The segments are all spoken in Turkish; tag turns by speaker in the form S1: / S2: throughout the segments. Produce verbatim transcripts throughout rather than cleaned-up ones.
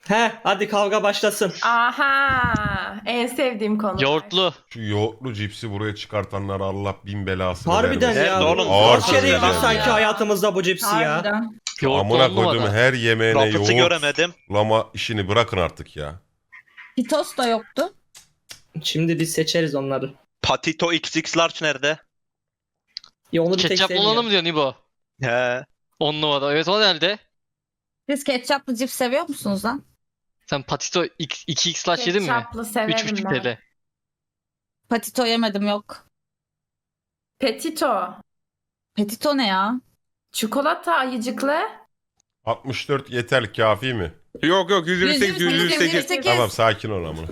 S1: He hadi kavga başlasın.
S2: Aha, en sevdiğim konu.
S3: Yoğurtlu.
S4: Şu yoğurtlu cipsi buraya çıkartanlar Allah bin belasını
S1: Harbiden
S4: vermesin.
S1: ya.
S5: Nerede oğlum?
S4: Ağır
S1: Kaç kere yedik
S4: sözler
S1: sanki
S4: yani.
S1: hayatımızda bu cipsi ya.
S6: Harbiden.
S3: Yoğurtlu
S4: Amına
S3: on
S4: koyduğum
S3: numara.
S4: her yemeğine
S5: Rafıt'ı
S4: yoğurt
S5: göremedim.
S4: lama işini bırakın artık ya.
S6: Pitos da yoktu.
S1: Şimdi biz seçeriz onları.
S5: Patito X X Large nerede?
S1: Ya onu bir tek
S3: Ketçaplı olanı mı
S1: sevmiyorum.
S3: diyorsun İbo?
S5: He.
S3: on numara. Evet o nerede?
S6: Siz ketçaplı cips seviyor musunuz lan?
S3: Sen Patito X- iki x slash yedin mi?
S2: Ketçaplı severim
S3: üç buçuk
S2: ben.
S3: T L.
S6: Patito yemedim yok.
S2: Petito.
S6: Petito ne ya?
S2: Çikolata ayıcıklı.
S4: altmış dört yeter kafi mi?
S7: Yok yok yüz yirmi sekiz yüz yirmi sekiz.
S4: Tamam sakin ol ama.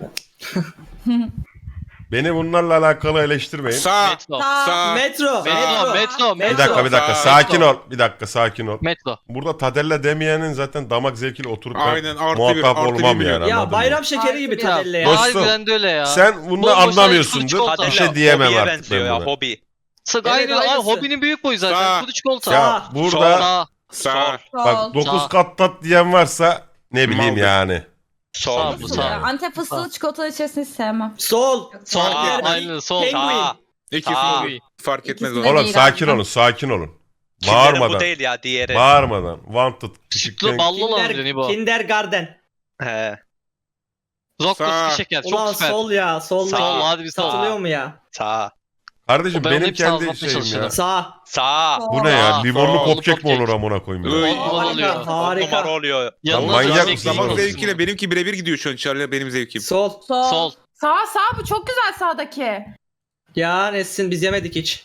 S4: Beni bunlarla alakalı eleştirmeyin.
S7: Sağ.
S3: Metro.
S7: Sağ.
S1: Metro.
S3: Metro.
S1: Metro.
S3: Metro.
S4: Bir dakika bir dakika
S7: Sağ.
S4: sakin ol. Bir dakika sakin ol.
S3: Metro.
S4: Burada Tadella demeyenin zaten damak zevkiyle oturup ben
S7: Aynen, artı bir,
S4: muhatap
S7: artı
S4: olmam
S7: bir
S4: yani.
S7: milyon.
S1: Ya
S4: anladın
S1: bayram
S4: mı?
S1: şekeri gibi
S2: Harbi ya.
S1: Tadelle ya.
S4: Dostum,
S3: Harbiden de öyle ya.
S4: Sen bunu
S3: Boş boşuna
S4: anlamıyorsundur.
S3: çikolata.
S4: Bir şey diyemem
S5: Hobiye
S4: artık
S5: benziyor
S4: ben
S5: ya
S4: buna.
S5: hobi.
S3: Sık
S1: Evet,
S3: aynı. Ay,
S1: aynısı.
S3: hobinin büyük boyu zaten.
S7: Sağ.
S3: Kudu çikolata.
S4: Ya
S1: Sağ.
S4: burada
S3: Sağ.
S7: Sağ.
S4: bak dokuz
S3: Sağ.
S4: kat tat diyen varsa ne bileyim
S7: Maldır.
S4: yani.
S5: Sol.
S3: Sağ bu, sağ.
S6: Antep fıstığı çikolatalı içerisinde hiç sevmem.
S1: Sol.
S3: Sol.
S5: Sağ.
S3: Aynen sol.
S1: Penguin.
S5: Sağ.
S7: İkisi
S5: Sağ.
S7: de fark etmez
S6: İkisi
S7: o.
S6: de
S4: Oğlum
S6: değil
S4: sakin
S6: abi.
S4: olun sakin olun.
S5: Kinder'in
S4: Bağırmadan.
S5: bu değil ya diğeri.
S4: Bağırmadan. Wanted.
S3: Şıklı ballı olan diyorsun
S1: Kinder,
S3: İbo.
S1: Kindergarten.
S5: He.
S3: Rocco
S7: Sağ.
S3: sıkı şeker. Çok
S1: Ulan
S3: süper.
S1: sol ya. Sol.
S5: Sağ.
S3: Sol hadi bir sol.
S1: Satılıyor mu ya?
S5: Sağ.
S4: Kardeşim
S3: O ben onu
S4: benim
S3: hepsini
S4: kendi
S3: anlatmaya
S4: şeyim ya.
S3: çalışıyorum.
S1: Sağ.
S5: Sağ.
S4: Bu ne ya?
S3: Sağ.
S4: Limonlu
S7: Sağ.
S4: kopkek mi
S3: Kopkek.
S4: olur amına koyayım ya?
S7: Iy.
S3: On numara oluyor.
S1: Harika.
S5: On
S1: Harika.
S5: numara oluyor.
S3: Yanına
S4: manyak
S3: manyak
S4: mısın
S7: Damak
S4: oğlum?
S7: zevkiyle benimki birebir gidiyor şu an Charlie benim zevkim.
S1: Sol.
S6: Sol.
S3: Sol.
S2: Sağ sağ bu çok güzel sağdaki.
S1: Ya Nesin biz yemedik hiç.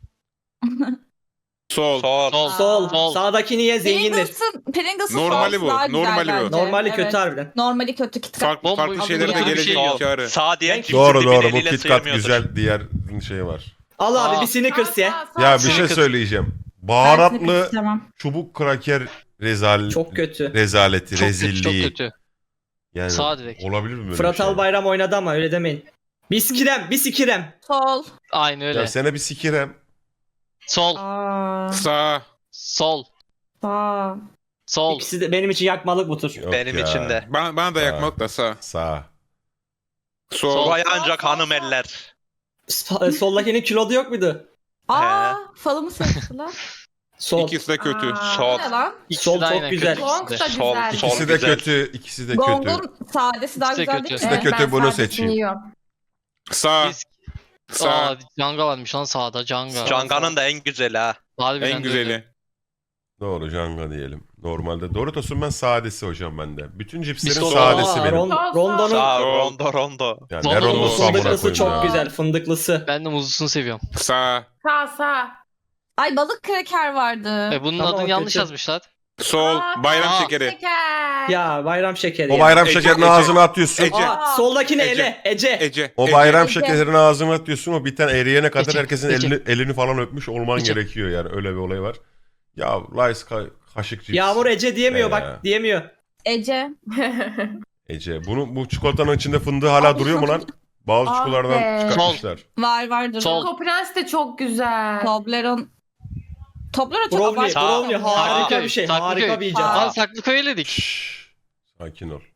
S7: Sol.
S5: Sol.
S3: Sol.
S1: Sol.
S3: Sol.
S1: Sağdakini ye zengindir.
S6: Pringles'ın, Pringles'ın
S7: Normali
S6: sosu
S7: bu,
S6: daha güzel
S7: normali bu.
S6: bence.
S1: Normali
S6: Evet.
S1: kötü harbiden.
S6: Normali kötü KitKat.
S7: Farklı,
S3: Bomboş.
S7: farklı şeylere de
S3: Burada bir şey
S7: gelecek
S3: yok.
S7: Çağrı.
S5: Sağ diyen
S1: Ben-
S5: kimse
S4: Doğru
S5: dibine
S4: doğru bu
S5: eliyle
S4: KitKat
S5: sıyırmıyordur.
S4: güzel diğer şey var.
S1: Al abi
S3: Sağ.
S1: bir Snickers ye.
S2: Sağ, sağ,
S4: Ya
S2: sağ.
S4: bir şey
S3: Snickers.
S4: söyleyeceğim.
S6: Ben KitKat
S4: Baharatlı
S6: istemem.
S4: çubuk kraker rezal
S1: Çok kötü.
S4: rezaleti,
S3: Çok kötü.
S4: rezilliği.
S3: Çok kötü.
S4: Yani
S3: Sağ direkt.
S4: olabilir mi böyle
S1: Fırat
S4: bir şey?
S1: Albayram oynadı ama öyle demeyin. Biskirem, biskirem.
S6: Sol.
S3: Aynı öyle.
S4: Ya sene bir sikirem.
S3: Sol.
S6: Aa,
S7: Sağ.
S3: Sol.
S6: sağ.
S3: Sol.
S1: İkisi de benim için yakmalık bu tur.
S4: Yok
S5: Benim
S4: ya.
S5: için de.
S7: Bana, bana da
S4: Sağ.
S7: yakmak da sağ.
S4: Sağ.
S7: Sol.
S3: Sol.
S5: Buraya ancak hanım eller.
S1: Sp- Soldakinin kilodu yok muydu?
S6: Aa, falımı seçtiler.
S1: Sol.
S7: İkisi de kötü.
S2: Aa,
S5: Sol.
S2: bu ne lan?
S3: İkisi
S1: Sol
S3: de
S1: çok
S3: aynen
S1: güzel.
S3: kötü
S2: Gong
S3: ikisi de.
S2: da
S5: Sol,
S2: güzel.
S5: sol.
S4: İkisi de
S5: güzel.
S4: kötü, ikisi de kötü.
S6: Gong'un sadesi daha
S3: İkisi de
S6: güzel
S3: kötü.
S6: değil
S4: İkisi
S6: mi?
S4: de kötü,
S2: ben
S4: bunu
S2: sadesini
S4: seçeyim.
S2: yiyorum.
S7: Sağ.
S3: Biz...
S7: Sağ.
S3: Aa, Canga varmış lan sağda Canga.
S5: Canga'nın da en güzeli ha.
S3: Harbiden
S7: En
S3: de öyle.
S7: güzeli.
S4: Doğru Janga diyelim. Normalde Doritos'un ben sadesi hocam bende. Bütün cipslerin
S3: Biz de-
S4: sadesi
S1: Aa,
S4: benim.
S1: Ron- Rondo'nun
S5: Sağ.
S7: Sol.
S5: Rondo rondo.
S4: Yani
S3: Rondo'nun
S4: ne rondosu amına
S1: fındıklısı
S4: koyayım
S1: çok
S4: ya.
S1: güzel. Fındıklısı.
S3: Ben de muzlusunu seviyorum.
S7: Sağ.
S2: Sağ sağ.
S6: Ay balık kreker vardı.
S3: E bunun
S1: Tamam,
S3: adını
S1: o
S3: yanlış
S1: kötü.
S3: yazmışlar.
S7: Sol.
S2: Aa,
S7: Bayram
S3: Aa.
S7: şekeri.
S2: Şeker.
S1: Ya bayram şekeri
S4: O
S1: ya.
S4: bayram
S7: Ece,
S4: şekerini
S7: Ece.
S4: ağzına atıyorsun.
S7: Ece.
S1: Aa, soldakini
S7: Ece.
S1: ele. Ece.
S7: Ece.
S4: O
S7: Ece.
S4: bayram
S6: Ece.
S4: şekerini ağzına atıyorsun. O biten eriyene kadar
S3: Ece,
S4: herkesin
S3: Ece.
S4: elini, elini falan öpmüş olman
S3: Ece.
S4: gerekiyor yani. Öyle bir olay var. Ya Rice ka- kaşık cips.
S1: Yağmur Ece diyemiyor
S4: Ee.
S1: bak. Diyemiyor.
S6: Ece.
S4: Ece. Bunu, bu çikolatanın içinde fındığı hala
S6: Abi,
S4: duruyor mu lan? Bazı
S2: Ah
S4: çikolatalardan
S2: be.
S4: çıkartmışlar.
S6: Var vardır.
S3: Sol.
S2: Coco Prens de çok güzel.
S6: Toblerone. Toblerone çok
S1: Brownie,
S6: abartı.
S1: brownie
S6: ya.
S1: harika
S3: Saklıköy,
S1: bir şey.
S3: Saklıköy.
S1: Harika bir icat.
S2: Aa.
S3: Lan Saklıköy eledik.
S4: Şşş. Sakin ol.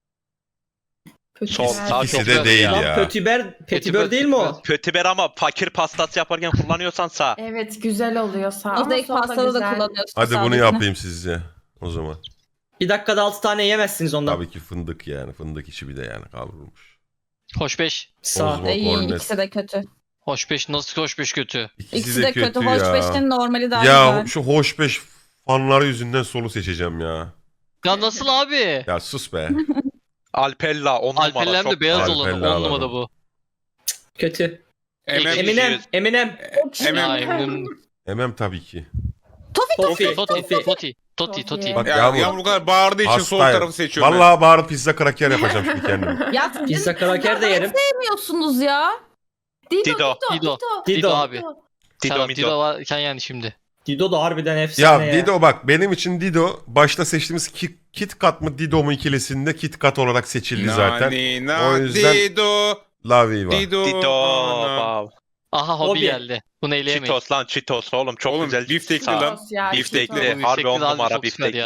S5: Sol.
S2: Güzel.
S5: Sağ
S4: İkisi
S5: çok
S4: de
S5: güzel.
S4: değil
S1: Lan
S4: ya.
S1: Pötibör, Petibör değil mi o?
S5: Kötü ama fakir pastası yaparken kullanıyorsan sağ.
S2: Evet güzel oluyor sağ. Ama
S6: Mozaik
S2: sol da
S6: pastada da
S2: güzel.
S6: kullanıyorsun.
S4: Hadi bunu
S6: sağdakini.
S4: yapayım sizce. O zaman.
S1: Bir dakikada altı tane yemezsiniz ondan.
S4: Tabii ki fındık yani. Fındık içi bir de yani kavrulmuş.
S3: Hoş beş.
S1: Sağ.
S4: Bozma.
S6: İyi,
S4: Kornet.
S6: ikisi de kötü.
S3: Hoş beş nasıl hoş beş kötü?
S4: İkisi,
S6: İkisi de kötü. Hoş
S4: ya.
S6: beşin normali daha
S4: Ya
S6: güzel.
S4: şu hoş beş fanları yüzünden solu seçeceğim ya.
S3: Ya nasıl abi?
S4: Ya sus be.
S5: Alpella on numara.
S3: Alperlem de
S5: çok
S3: beyaz
S5: güzel.
S3: olanı
S4: Alpella
S3: on numara
S4: alalım.
S3: bu.
S1: Kötü.
S7: Emem.
S5: Emin-
S1: Eminem. Eminem.
S3: Ya
S7: Emem.
S3: eminim.
S4: Emem tabii ki.
S6: Tofi
S1: Tofi.
S3: Toti,
S1: Tofi.
S3: Toti, Toti, Toti.
S4: Bak
S7: Ya,
S4: Yağmur.
S7: Yağmur bu kadar bağırdığı için sol
S4: Hastayım.
S7: tarafı seçiyorum ben.
S4: Vallahi bağırıp pizza kraker yapacağım şimdi kendime.
S6: Ya siz
S1: Pizza kraker de yerim.
S6: sevmiyorsunuz ya.
S2: Dido.
S5: Dido.
S2: Dido.
S3: Dido.
S2: Dido.
S3: Dido
S1: Dido.
S3: abi.
S5: Dido
S3: Serap,
S5: Mido.
S3: Dido varken yani şimdi.
S1: Dido da harbiden efsane
S4: Ya
S1: ya.
S4: Dido bak benim için Dido başta seçtiğimiz Ki- Kit Kat mı Dido mu ikilisinde Kit Kat olarak seçildi zaten.
S7: Nani, na,
S4: O yüzden-
S7: Dido.
S4: La Viva.
S7: Dido.
S5: Dido.
S7: ana.
S5: Wow.
S3: Aha hobi
S1: Hobi.
S3: geldi. Bunu eleyemeyiz.
S5: Cheetos lan Cheetos oğlum çok
S7: Oğlum,
S5: güzel.
S7: biftekli
S5: Sağ.
S7: lan.
S2: Ya,
S5: Biftekli.
S2: Cheetos.
S3: Bu
S5: Harbi
S3: yüksekli
S5: on
S3: de harbi
S5: numara
S3: çok süper
S5: biftekli.
S3: ya.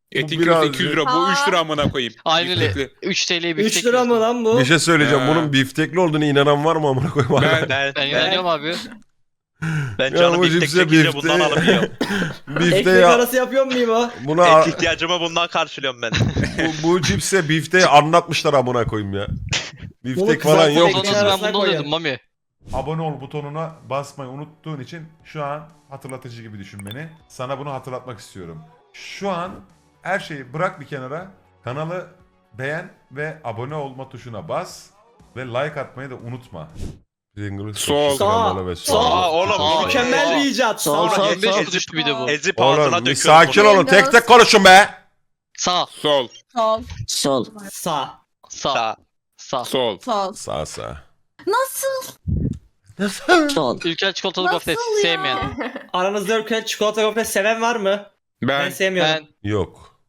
S7: Etin
S4: biraz-
S7: kilosu iki yüz lira. Bu üç lira amına koyayım.
S3: Aynen öyle.
S7: Biftekli.
S3: üç T L'ye biftek
S1: üç lira mı lan bu?
S4: Bir şey söyleyeceğim.
S7: Ha.
S4: Bunun biftekli olduğunu inanan var mı amına koyayım?
S7: Ben-
S5: Ben,
S3: Ben inanıyorum abi.
S5: ben
S4: Ya
S5: canım
S4: bu
S5: biftek
S4: cipse
S5: çekince
S4: bifte-
S5: bundan alıp yiyorum.
S4: Bifte
S1: Ekmek
S4: ya.
S1: arası yapıyor muyum o?
S4: Buna
S5: Et ihtiyacımı bundan karşılıyorum ben.
S4: bu, bu cipse bifteyi anlatmışlar amına koyayım ya.
S1: Bunu
S4: Biftek
S1: kızartıp
S4: falan yok.
S1: ekmek
S3: Sonra ben
S1: arasına
S3: bunu
S1: koyuyorum.
S3: alıyordum Mami.
S8: Abone ol butonuna basmayı unuttuğun için şu an hatırlatıcı gibi düşün beni. Sana bunu hatırlatmak istiyorum. Şu an her şeyi bırak bir kenara. Kanalı beğen ve abone olma tuşuna bas. Ve like atmayı da unutma.
S4: Pringles,
S7: Sol.
S4: skandalı ve
S1: Sağ.
S4: sol.
S5: Aa oğlum.
S3: Aa,
S5: bunu-
S1: Mükemmel bir icat.
S6: Sol,
S1: Sağ.
S6: sol,
S3: yirmi beş
S6: sol.
S3: kuruş bir de bu.
S5: Ezip ağzına
S4: Oğlum bir
S5: döküyorum.
S4: sakin
S5: bunu.
S4: olun. Tek tek konuşun be.
S3: Sağ.
S7: Sol.
S6: Sol.
S9: Sol.
S1: Sağ.
S3: Sağ.
S5: Sağ.
S3: Sağ.
S7: Sol.
S6: Sol.
S4: Sağ sağ.
S6: Nasıl?
S4: Nasıl?
S9: Sol.
S3: Ülker çikolatalı
S6: Nasıl
S3: gofret
S6: ya?
S3: sevmeyen.
S1: Aranızda ülke çikolata gofret seven var mı? Ben,
S7: Ben.
S1: sevmiyorum.
S3: Ben
S4: Yok.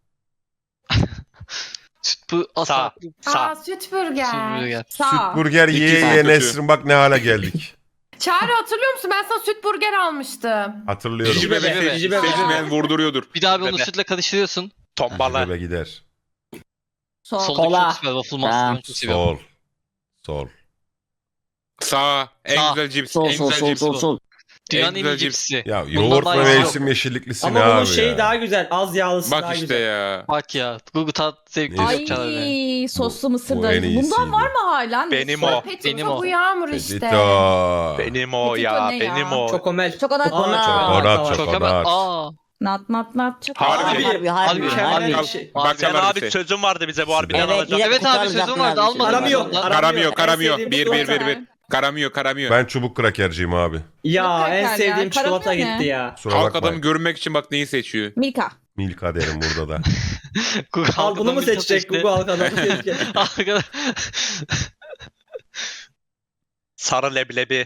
S3: süt bu
S5: Sağ.
S3: asla.
S2: Aa
S5: Sağ.
S2: süt burger.
S3: Süt
S6: Sağ.
S4: Süt burger
S7: İkisi
S4: yiye
S7: de
S4: yiye
S7: kötü.
S4: Nesrin bak ne hale geldik.
S2: Çağrı hatırlıyor musun? Ben sana süt burger almıştım.
S4: Hatırlıyorum.
S7: Cici bebe.
S3: bebe,
S1: cici bebe.
S7: Seçmeyen vurduruyordur.
S3: Bir daha bir onu
S5: Bebe.
S3: sütle karıştırıyorsun.
S5: Tombala.
S4: Bebe gider.
S6: Sol.
S3: Soldaki
S1: Kola.
S3: çok süper. Waffle Master.
S9: Sağ.
S3: Ben çok seviyorum.
S4: Sol. Sol.
S7: Sağ. En
S3: Sağ.
S7: güzel cips.
S9: Sol
S7: en
S9: sol
S7: güzel
S9: sol
S7: cips
S9: sol
S7: bu.
S9: sol.
S3: Dünyanın en
S7: güzel
S3: iyi
S7: cips.
S3: cipsi.
S4: Ya
S3: Bundan
S4: yoğurt
S3: daha
S4: ve
S3: iyisi yok.
S4: mevsim yeşilliklisi
S1: Ama
S4: ne
S1: bunun
S4: abi
S1: şeyi
S4: ya?
S1: daha güzel. Az yağlısı
S7: Bak
S1: daha
S7: işte
S1: güzel.
S7: ya.
S3: Bak ya. Google tat zevkli
S4: Neyse.
S3: yok Çağrı be.
S6: Ay soslu
S4: Bu-
S6: mısır
S4: bu
S6: da.
S4: en iyisiydi.
S6: Bundan var mı hala?
S5: Benim
S6: Neyse.
S5: o.
S2: Petito
S3: Benim o.
S2: bu yağmur işte.
S4: Petito.
S5: Benim o
S6: Petito
S5: ya.
S6: ne ya?
S5: Benim o.
S1: Çokomel.
S6: Çokonat.
S1: Aa,
S9: Çokonat.
S4: Çokonat,
S1: var.
S3: Çok hemen.
S4: çokonat.
S3: Aa.
S6: Nat nat nat. Çok
S7: Harbi.
S1: Abi,
S9: Harbi harbi
S1: mükemmel
S9: harbi.
S1: bir şey.
S7: Bak
S5: Sen
S7: sana
S5: abi sözün vardı bize bu harbiden
S9: Evet,
S5: alacağım.
S9: yine
S3: Evet abi
S9: kurtaracak
S3: sözüm vardı
S9: abi.
S3: almadım.
S1: Aramıyor.
S3: ben ondan.
S1: Aramıyor.
S7: Karamıyor
S1: En
S7: karamıyor.
S1: sevdiğim
S7: Bir bir
S1: çikolata.
S7: bir bir. Karamıyor karamıyor.
S4: Ben çubuk krakerciyim abi.
S1: Ya
S6: Mutlaka
S1: en
S6: ya.
S1: sevdiğim çikolata
S6: Karamel ne?
S1: gitti ya.
S4: Kusura
S7: Halk
S4: bakmayın.
S7: adamı görmek için bak neyi seçiyor.
S6: Milka.
S4: Milka derim burada da.
S3: Google
S1: Al bunu mu
S3: halkadan bir
S1: seçecek
S3: seçti.
S1: Google halkadan seçecek.
S3: Halkadan-
S5: Sarı leblebi.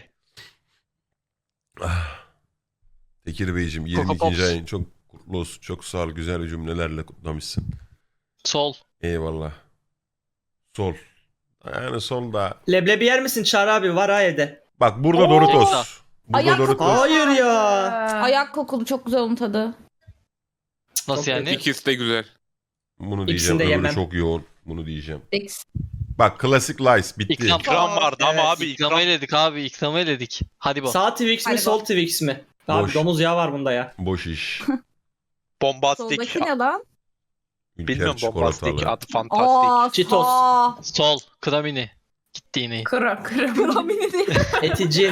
S4: Ah. Tekir Beyciğim
S3: Coco
S4: yirmi ikinci
S3: Pops.
S4: ayın çok kutlu olsun. Çok sağ ol. Güzel cümlelerle kutlamışsın.
S3: Sol.
S4: Eyvallah. Sol. Yani sol da.
S1: Leblebi yer misin Çağrı abi? Var ha evde.
S4: Bak burada
S6: Oo.
S4: Doritos. Burada
S6: Ayak
S4: Doritos.
S1: Hayır ya.
S6: Ayak kokulu çok güzel onun tadı.
S3: Nasıl
S1: Çok
S3: yani?
S7: İkisi de güzel.
S4: Bunu
S1: İkisini
S4: diyeceğim.
S1: de
S4: Öbürü
S1: yemem.
S4: çok yoğun. Bunu diyeceğim.
S6: X.
S4: Bak klasik Lice bitti.
S3: İkram.
S5: İkram vardı ama
S1: Evet,
S5: abi
S3: İklama
S5: ikram.
S3: eledik abi. İklama eledik. Hadi bu.
S1: Sağ Twix mi
S6: Hadi
S1: sol
S6: bak.
S1: Twix mi? Abi
S4: Boş.
S1: domuz yağı var bunda ya.
S4: Boş iş.
S5: Bombastik.
S6: Soldaki ne lan?
S4: Ülker
S5: Bilmiyorum bombastik.
S4: çikolatalı.
S5: Adı fantastik.
S6: Aa,
S1: Cheetos.
S6: sağ.
S3: Sol. Kramini. Gitti yine.
S2: Kıra kıra.
S6: Kramini değil.
S1: Eticin.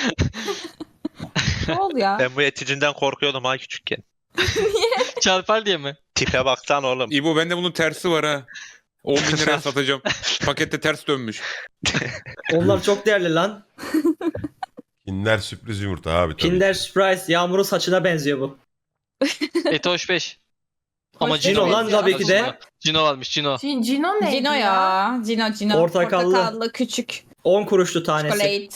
S6: Sol ya.
S5: Ben bu eticinden korkuyordum ha küçükken.
S3: Çarpar diye mi?
S5: Tipe baksan oğlum.
S7: İbo bende bunun tersi var ha. on bin liraya satacağım. Pakette ters dönmüş.
S1: Onlar çok değerli lan.
S4: Kinder sürpriz yumurta abi tabii.
S1: Kinder Surprise. Yağmur'un saçına benziyor bu.
S3: Etoş beş. Ama
S6: Hoş
S3: Cino
S1: Cino lan
S6: benziyor
S1: tabii ki de.
S6: aslında.
S3: Cino varmış Cino.
S2: Cin- Cino neydi
S6: Cino ya. Cino Cino.
S1: Portakallı.
S6: Portakallı küçük.
S1: on kuruşlu tanesi.
S6: Chocolate.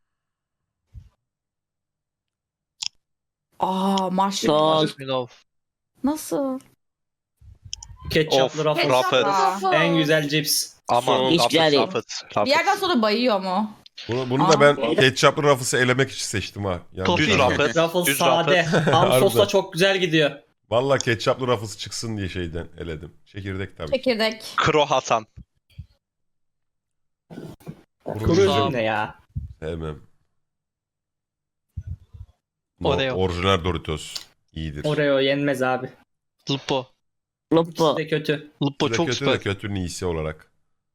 S6: Aa marshmallow.
S9: Sol.
S3: Marshmallow.
S6: Nasıl?
S1: Ketçaplı
S5: Of,
S1: Ruffles.
S5: Ruffles.
S6: Ruffles.
S1: En güzel cips.
S5: Aman
S9: Hiç
S5: Ruffles
S9: geldi.
S5: Ruffles.
S6: Bir
S5: Ruffles.
S6: yerden sonra bayıyor mu?
S4: Bunu, bunu
S6: Aa.
S4: da ben ketçaplı Ruffles'ı elemek için seçtim ha. Yani
S3: Tofi.
S5: Düz Ruffles.
S1: Ruffles
S5: Düz
S1: sade.
S5: Ruffles.
S1: Ham sosla
S4: Harbiden.
S1: çok güzel gidiyor.
S4: Valla ketçaplı Ruffles çıksın diye şeyden eledim. Çekirdek tabii.
S6: Çekirdek.
S5: Kro Hasan.
S1: Kuru
S4: Kuru
S1: üzüm ne ya?
S4: Sevmem. No,
S3: Oreo.
S4: orijinal Doritos. İyidir.
S1: Oreo yenmez abi.
S3: Lupo.
S1: İkisi
S9: Lupo.
S1: de kötü.
S3: Lupo
S4: Bu da
S3: çok
S4: kötü
S3: süper.
S4: de kötünün iyisi olarak.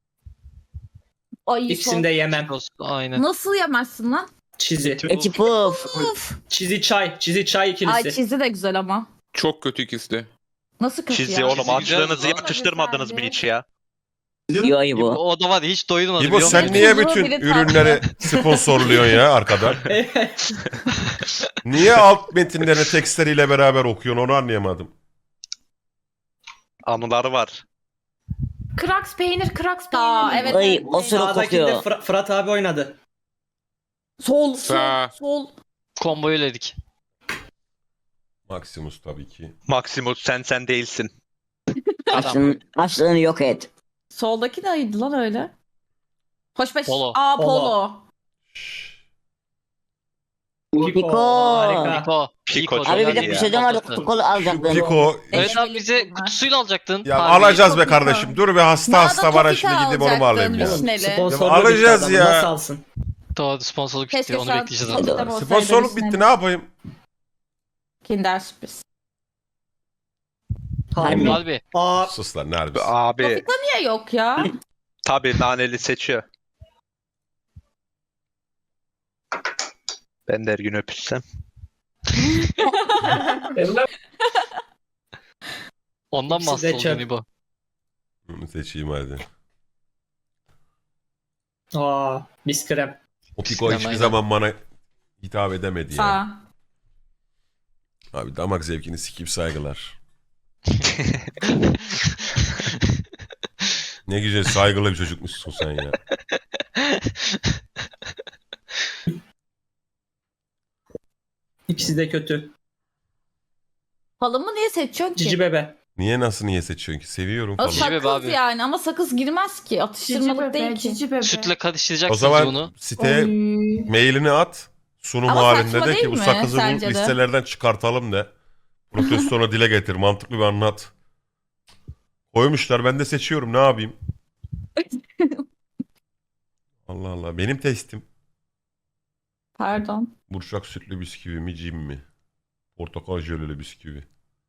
S6: Ay
S1: İkisini de yemem.
S3: Aynen.
S6: Nasıl yemezsin lan?
S1: Çizi.
S9: Eti puf.
S1: Çizi çay. Çizi çay
S6: Ay
S1: ikilisi.
S6: çizi de güzel ama.
S7: Çok kötü ikisi de.
S6: Nasıl kötü
S5: Çizgi
S6: ya?
S5: oğlum
S3: Çizgi güzel
S5: açlığınızı
S3: lan.
S5: yakıştırmadınız mı hiç ya?
S9: Yo İbo.
S3: O da var ya hiç doyurmadı
S4: İbo
S3: biliyor
S4: sen
S3: musun?
S4: niye
S6: Tuzlu
S4: bütün
S6: biri tatlı.
S4: ürünleri sponsorluyorsun ya arkadan? Niye alt metinlerini tekstleriyle beraber okuyorsun onu anlayamadım.
S5: Anıları var.
S2: Kraks peynir, kraks peynir.
S6: Aa, evet.
S9: Ay o sırada
S1: Sağdakinde
S9: kokuyor.
S1: Fıra- Fırat abi oynadı.
S6: Sol,
S7: Sağ.
S6: sol, sol.
S3: Komboyu eledik.
S4: Maximus tabii ki.
S5: Maximus sen sen değilsin.
S9: Açlığını, açlığını yok et.
S6: Soldaki neydi lan öyle? Hoşbeş.
S3: Polo.
S6: Aa
S1: Polo.
S6: polo.
S4: Şşş.
S9: Piko.
S1: Harika.
S3: Piko.
S5: Piko çok
S9: Abi bir de
S5: iyi
S9: bir
S5: ya.
S9: şey de vardı. Kutu alacaktın.
S4: Piko.
S3: Evet abi
S6: Eşlelik
S3: bize
S6: bunlar.
S3: kutusuyla alacaktın.
S4: Ya
S3: Harbi.
S4: alacağız be
S6: Topika.
S4: kardeşim. Dur bir hasta
S6: Daha da
S4: hasta var ha
S6: topika
S4: şimdi gidip onu mu alayım ya?
S6: alacaktın, vişneli.
S1: Sponsorluk
S4: Ya alacağız
S1: bitti adamın,
S4: ya.
S1: Nasıl alsın?
S3: Doğru sponsorluk bitti.
S6: Keşke
S3: Onu
S6: sen
S3: bekleyeceğiz
S6: topika
S3: artık.
S6: olsaydı
S4: Sponsorluk
S6: vişneli.
S4: bitti ne yapayım?
S6: Kinder sürpriz.
S1: Harbi.
S3: Harbi.
S1: Aa,
S4: Sus lan ne harbisi.
S5: Abi
S6: Topika niye yok ya?
S5: tabii naneli seçiyor. Ben de her gün öpüşsem.
S3: Ondan mı
S1: İkisi de
S3: hasta
S1: çöp.
S3: oldun İbo?
S4: Bunu seçeyim hadi.
S1: aa, biz krem.
S4: O Piko
S3: Aynen,
S4: hiçbir
S3: aynen.
S4: zaman bana hitap edemedi ya.
S6: Sağ.
S4: Abi damak zevkini sikip saygılar. Ne güzel saygılı bir çocukmuşsun sen ya.
S1: İkisi de kötü.
S6: Falımı niye seçiyorsun ki?
S1: Cici bebe.
S4: Niye nasıl niye seçiyorsun ki? Seviyorum
S6: O
S4: falan.
S3: Cici bebe
S6: sakız
S3: abi.
S6: yani ama sakız girmez ki. Atıştırmalık değil ki.
S2: cici bebe.
S3: Sütle
S4: O
S3: karıştıracaksınız
S4: zaman
S3: bunu.
S4: siteye
S2: Oy.
S4: mailini at. Sunum
S6: Ama
S4: halinde
S6: saçma
S4: de
S6: değil
S4: ki bu
S6: mi
S4: sakızı bu
S6: sence de?
S4: listelerden çıkartalım de. Protestona dile getir. Mantıklı bir anlat. Koymuşlar ben de seçiyorum ne yapayım? Allah Allah benim testim.
S6: Pardon.
S4: Burçak sütlü bisküvi mi cim mi? Portakal jöleli bisküvi.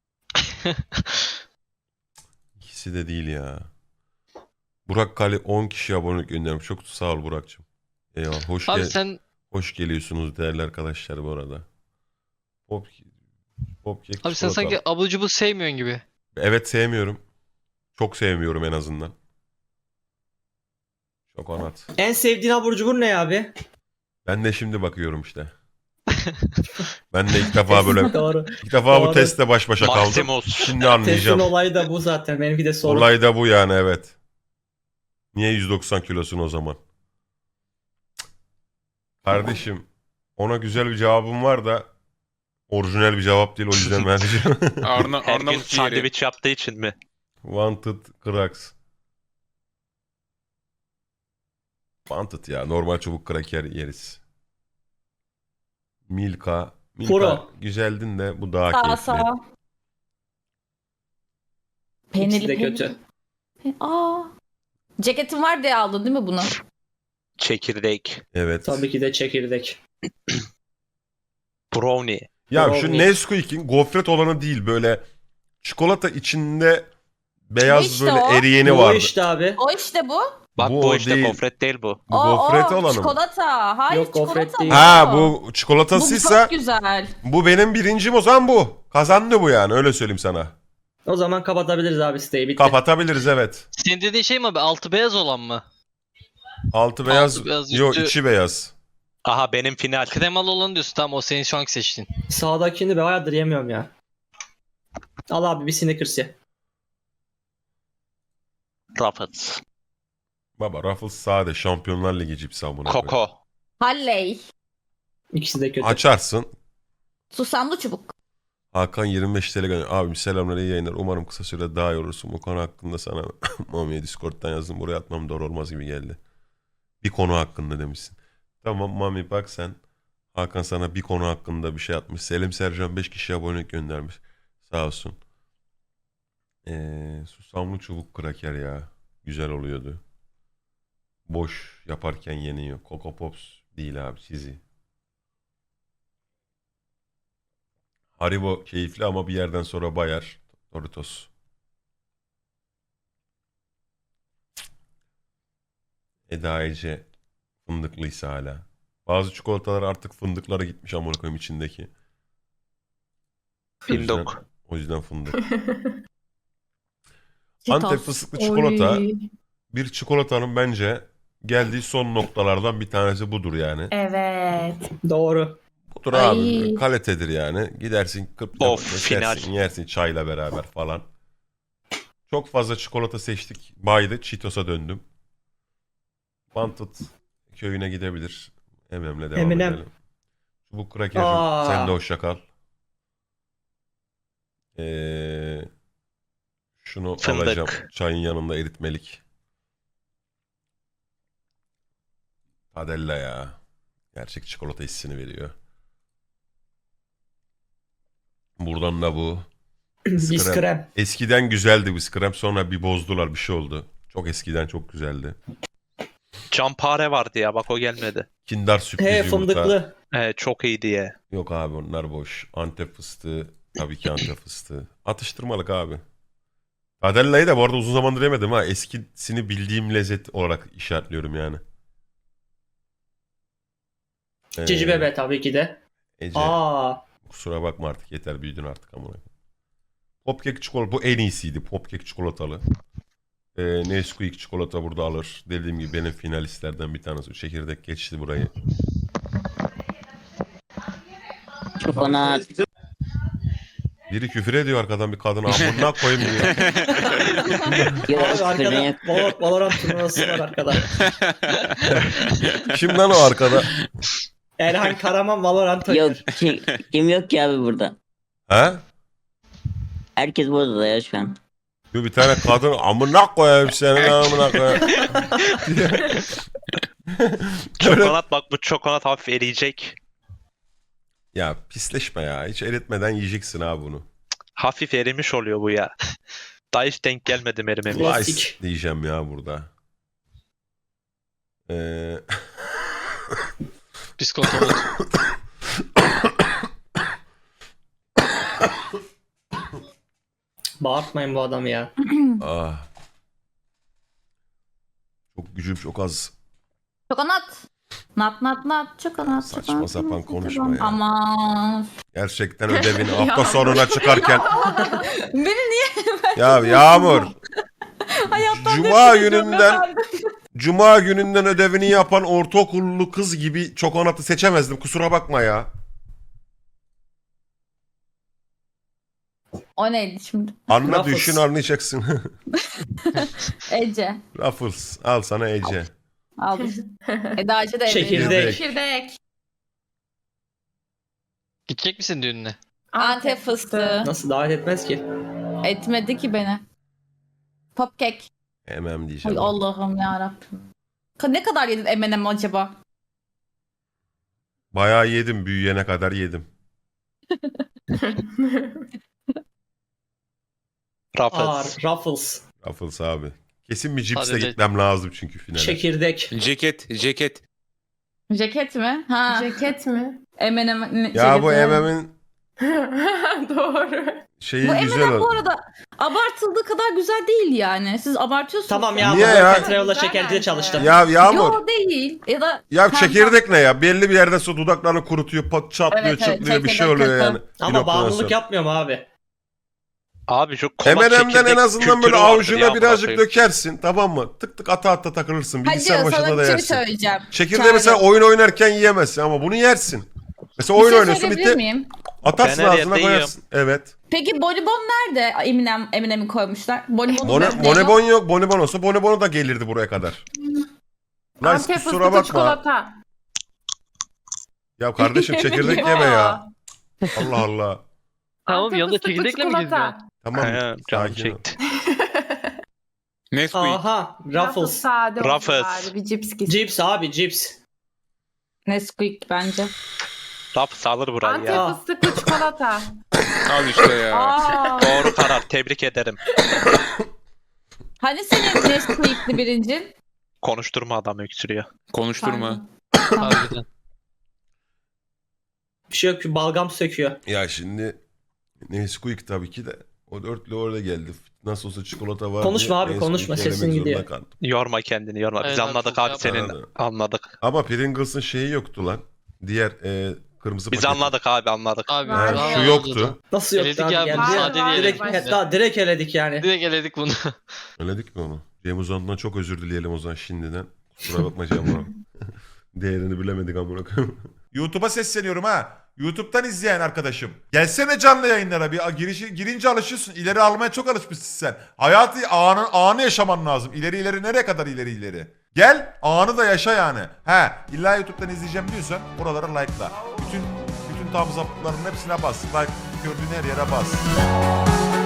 S4: İkisi de değil ya. Burak Kali on kişi abonelik göndermiş. Çok sağ ol Burak'cığım. Eyvallah. Hoş,
S3: Abi
S4: gel
S3: sen
S4: hoş geliyorsunuz değerli arkadaşlar bu arada. Pop, pop kek,
S3: abi sen
S4: çikolata.
S3: sanki abur cubur sevmiyorsun gibi.
S4: Evet sevmiyorum. Çok sevmiyorum en azından. Çok anlat.
S1: En sevdiğin abur cubur ne abi?
S4: Ben de şimdi bakıyorum işte. Ben de ilk defa böyle
S1: Doğru.
S4: ilk defa bu
S1: Doğru.
S4: testle baş başa kaldım.
S5: Maximus.
S4: Şimdi
S1: Testin
S4: anlayacağım.
S1: olayı da bu zaten. Benimki de sorun.
S4: Olay da bu yani evet. Niye yüz doksan kilosun o zaman? Kardeşim ona güzel bir cevabım var da orijinal bir cevap değil o yüzden vereceğim.
S7: Arna,
S5: Her gün
S7: Arnavut ciğeri.
S5: sandviç yaptığı için mi?
S4: Wanted Cracks. Wanted ya normal çubuk kraker yeriz. Milka. Milka
S1: Puro.
S4: güzeldin de bu daha
S6: Sağ
S4: keyifli.
S6: sağ. Peynirli
S1: İkisi de
S6: peynirli.
S1: kötü.
S6: Pe- Aa. Ceketin var diye aldın değil mi bunu?
S5: Çekirdek.
S4: Evet.
S1: Tabii ki de çekirdek.
S5: Brownie.
S4: Ya şu
S1: Brownie.
S4: Nesquik'in gofret olanı değil böyle çikolata içinde beyaz
S6: işte
S4: böyle
S6: o.
S4: eriyeni
S1: Bu
S4: vardı.
S1: işte abi.
S6: O işte bu.
S5: Bak
S4: Bu
S5: bu,
S4: o
S5: işte
S4: değil.
S5: gofret değil bu.
S4: Bu
S6: o,
S4: gofret
S6: o,
S4: olanı mı?
S6: Çikolata. Hayır
S1: Yok, gofret
S6: çikolata.
S1: değil.
S4: Ha
S6: bu.
S4: bu
S6: Bu
S4: çikolatasıysa
S6: çok güzel.
S4: bu benim birincim o zaman bu. Kazandı bu yani öyle söyleyeyim sana.
S1: O zaman kapatabiliriz abi siteyi. Bitti.
S4: Kapatabiliriz evet.
S3: Senin dediğin şey mi abi? Altı beyaz olan mı?
S4: Altı beyaz,
S3: beyaz,
S4: yo
S3: üstü-
S4: içi beyaz.
S5: Aha benim final.
S3: Kremalı olan diyorsun. Tamam o senin şu anki seçtiğin.
S1: Sağdakini de bayağıdır yemiyorum ya. Al abi bir Snickers ye.
S5: Ruffles.
S4: Baba Ruffles sade Şampiyonlar Ligi cipsi amına koyayım.
S5: Koko.
S6: Halley.
S1: İkisi de kötü.
S4: Açarsın.
S6: Susamlı çubuk.
S4: Hakan yirmi beş T L gönder. Abim selamlar iyi yayınlar. Umarım kısa sürede daha iyi olursun. Bu konu hakkında sana Mami'ye Discord'dan yazdım. Buraya atmam doğru olmaz gibi geldi. Bir konu hakkında demişsin. Tamam Mami bak sen. Hakan sana bir konu hakkında bir şey atmış. Selim Sercan beş kişi abonelik göndermiş. Sağ olsun. Ee, susamlı çubuk kraker ya. Güzel oluyordu. Boş yaparken yeniyor. Coco Pops değil abi çizi. Haribo keyifli ama bir yerden sonra bayar. Doritos. Eda Ece fındıklıysa hala. Bazı çikolatalar artık fındıklara gitmiş amına koyayım içindeki. O yüzden,
S5: Findok.
S4: o yüzden fındık.
S6: Cheetos.
S4: Antep fıstıklı çikolata
S2: Oy.
S4: bir çikolatanın bence geldiği son noktalardan bir tanesi budur yani.
S2: Evet.
S1: Doğru.
S4: Budur
S6: Ay.
S4: abi. Kalitedir yani. Gidersin kıp
S5: Of,
S4: kesersin,
S5: final.
S4: yersin çayla beraber falan. Çok fazla çikolata seçtik. Baydı. Cheetos'a döndüm. Wanted köyüne gidebilir. Emem'le devam
S1: Eminem.
S4: edelim. Çubuk kraker.
S1: Aa.
S4: Sen de hoşça kal. Ee, şunu
S5: Fındık.
S4: alacağım. Çayın yanında eritmelik. Padella ya. Gerçek çikolata hissini veriyor. Buradan da bu.
S1: Biz krem.
S4: Eskiden güzeldi bu krem, sonra bir bozdular, bir şey oldu. Çok eskiden çok güzeldi.
S5: Campare vardı ya bak o gelmedi.
S4: Kinder sürpriz
S1: He
S4: yumurta.
S1: fındıklı.
S5: Ee, çok iyi diye.
S4: Yok abi onlar boş. Antep fıstığı. Tabii ki Antep fıstığı. Atıştırmalık abi. Adella'yı da bu arada uzun zamandır yemedim ha. Eskisini bildiğim lezzet olarak işaretliyorum yani. Ee,
S1: Cici bebe tabii ki de.
S4: Ece.
S1: Aa.
S4: Kusura bakma artık, yeter büyüdün artık amına. Popkek çikolata bu en iyisiydi. Popkek çikolatalı. Ee, Nesquik çikolata burada alır. Dediğim gibi benim finalistlerden bir tanesi. Çekirdek geçti burayı.
S9: Çokonat.
S4: Biri küfür ediyor arkadan, bir kadın amına koyayım diyor.
S9: Yok
S1: Abi
S9: küfür
S1: arkada
S9: yok.
S1: Valor- Valorant turnuvası var arkada.
S4: Kim lan o arkada?
S1: Erhan Karaman Valorant oynuyor.
S9: Yok ki- kim yok ki abi burada.
S4: Ha?
S9: Herkes burada da ya şu an.
S4: Bir bir tane kadın amına koyayım senin amına koyayım.
S5: Çokonat bak bu çokonat hafif eriyecek.
S4: Ya pisleşme ya. Hiç eritmeden yiyeceksin abi bunu.
S5: Hafif erimiş oluyor bu ya. Daha hiç denk gelmedim erimeme.
S1: Klasik.
S4: Slice diyeceğim ya burada. Ee...
S3: Biskolata oldu.
S1: Bağırtmayın bu adamı ya.
S4: ah. Çok gücüm çok az.
S6: Çokonat. Nat nat nat çokonat.
S4: Saçma
S6: çokonat,
S4: sapan
S6: çokonat,
S4: konuşma
S6: çokonat.
S4: ya.
S6: Aman.
S4: Gerçekten ödevini hafta sonuna çıkarken.
S6: Beni niye
S4: Ya Yağmur.
S6: hayattan
S4: Cuma
S6: nefret ediyorum
S4: gününden
S6: efendim?
S4: Cuma gününden ödevini yapan ortaokullu kız gibi çokonatı seçemezdim. Kusura bakma ya.
S6: O neydi şimdi?
S4: Anla
S1: Ruffles.
S4: düşün anlayacaksın.
S6: Ece.
S4: Ruffles. Al sana Ece.
S6: Aldım. Eda Ece de
S1: Çekirdek.
S6: evleniyor.
S2: Çekirdek.
S3: Gidecek misin düğününe?
S6: Antep fıstığı.
S1: Nasıl davet etmez ki?
S6: Etmedi ki beni. Popkek.
S4: Emem
S6: Ay
S4: diyeceğim.
S6: Allah'ım yarabbim. Ka- Ne kadar yedin M and M acaba?
S4: Bayağı yedim. Büyüyene kadar yedim.
S5: Ruffles.
S1: Ağır. Ruffles.
S4: Ruffles abi. Kesin bir cipsle
S3: Hadi de-
S4: gitmem lazım çünkü finale.
S1: Çekirdek.
S7: Ceket, ceket.
S6: Ceket mi? Ha.
S2: Ceket mi?
S6: M and M
S4: Ya bu Emem'in
S2: Doğru.
S4: şeyi
S6: Bu
S4: güzel
S6: M and M bu
S4: oldu.
S6: arada abartıldığı kadar güzel değil yani. Siz abartıyorsunuz.
S1: Tamam ya.
S4: Niye
S1: bu
S4: ya?
S1: Petrol'la
S2: Güzel
S1: şekercide
S2: bence.
S1: çalıştım.
S4: Ya Yağmur.
S6: Yo değil. Ya da
S4: Ya
S6: Sen-
S4: çekirdek ne ya? Belli bir yerden sonra dudaklarını kurutuyor, pat çatlıyor,
S6: Evet, evet,
S4: çıtlıyor bir şey
S6: çekirdek
S4: oluyor
S6: kötü.
S4: yani. Bir
S1: Ama
S4: noktadan
S1: bağımlılık
S4: sonra.
S1: yapmıyorum abi.
S5: Abi şu kola
S4: M and M'den
S5: çekirdek
S4: en azından böyle
S5: kültürü vardır
S4: avucuna
S5: ya,
S4: birazcık
S5: amına koyayım.
S4: dökersin, tamam mı? Tık tık ata ata takılırsın.
S6: Hadi
S4: Bilgisayar
S6: sana
S4: başında da
S6: bir şey
S4: yersin.
S6: söyleyeceğim.
S4: Çekirdeği
S6: Çare.
S4: mesela oyun oynarken yiyemezsin ama bunu yersin. Mesela
S6: Bir
S4: oyun
S6: şey
S4: oynuyorsun
S6: söyleyebilir
S4: bitti.
S6: miyim?
S4: Atarsın
S5: Ben her
S4: ağzına
S5: yerde
S4: koyarsın. Evet.
S6: Peki bonibon nerede? Eminem, Eminem'i koymuşlar. Bonibon
S4: Bone,
S6: nerede?
S4: bonibon yok. Bonibon olsa bonibon da gelirdi buraya kadar. Lan
S2: Antep
S4: kusura
S2: fıstıklı
S4: bakma.
S2: çikolata.
S4: Ya kardeşim çekirdek yeme ya. Allah Allah.
S3: Tamam
S2: Antep
S3: yanında
S2: fıstıklı
S3: çekirdekle mi
S2: çikolata.
S3: geziyorsun?
S4: Tamam.
S5: He, canım
S4: sakin ol.
S5: çekti.
S7: Nesquik.
S1: Aha.
S2: Ruffles
S1: Ruffles.
S2: sade olsun
S5: Ruffles.
S2: bari, bir cips gitsin.
S1: Cips abi cips.
S6: Nesquik bence.
S5: Ruffles alır burayı
S2: Antep
S5: ya.
S2: fıstıklı çikolata.
S7: Al işte ya.
S2: Aa.
S5: Doğru karar. Tebrik ederim.
S6: Hani senin Nesquik'li birincin?
S5: Konuşturma adam öksürüyor.
S7: Konuşturma.
S3: Harbiden.
S1: Bir şey yok ki balgam söküyor.
S4: Ya şimdi Nesquik tabii ki de o dörtlü orada geldi. Nasıl olsa çikolata var.
S1: Konuşma
S4: diye
S1: abi,
S4: Nesquik
S1: konuşma,
S4: elemek
S1: sesin
S4: zorunda
S1: gidiyor.
S4: kaldım.
S5: Yorma kendini yorma. Biz
S3: Evet abi,
S5: anladık
S3: çok
S5: abi
S3: yapma.
S5: senin.
S4: Anladım.
S5: Anladık.
S4: Ama Pringles'ın şeyi yoktu lan. Diğer e, kırmızı
S5: Biz
S4: paketi.
S5: anladık abi anladık.
S3: Abi.
S2: Ha,
S3: daha
S4: şu
S3: oldu
S4: yoktu.
S3: da.
S1: Nasıl yok
S3: Eledik
S1: abi
S3: ya,
S1: geldi.
S2: bunu
S1: ya.
S2: sade diye
S1: Direkt,
S2: eledik.
S1: hatta direkt eledik yani.
S3: Direkt eledik bunu.
S4: Öyledik mi onu? Cem Uzan'dan çok özür dileyelim o zaman şimdiden. Kusura bakma Cem Uzan. Değerini bilemedik amına koyayım. YouTube'a sesleniyorum ha. YouTube'dan izleyen arkadaşım. Gelsene canlı yayınlara bir girişi, girince alışıyorsun. İleri almaya çok alışmışsın sen. Hayatı anı, anı yaşaman lazım. İleri ileri nereye kadar ileri ileri? Gel anı da yaşa yani. He illa YouTube'dan izleyeceğim diyorsan oralara like'la. Bütün bütün tam zaptların hepsine bas. Like gördüğün her yere bas.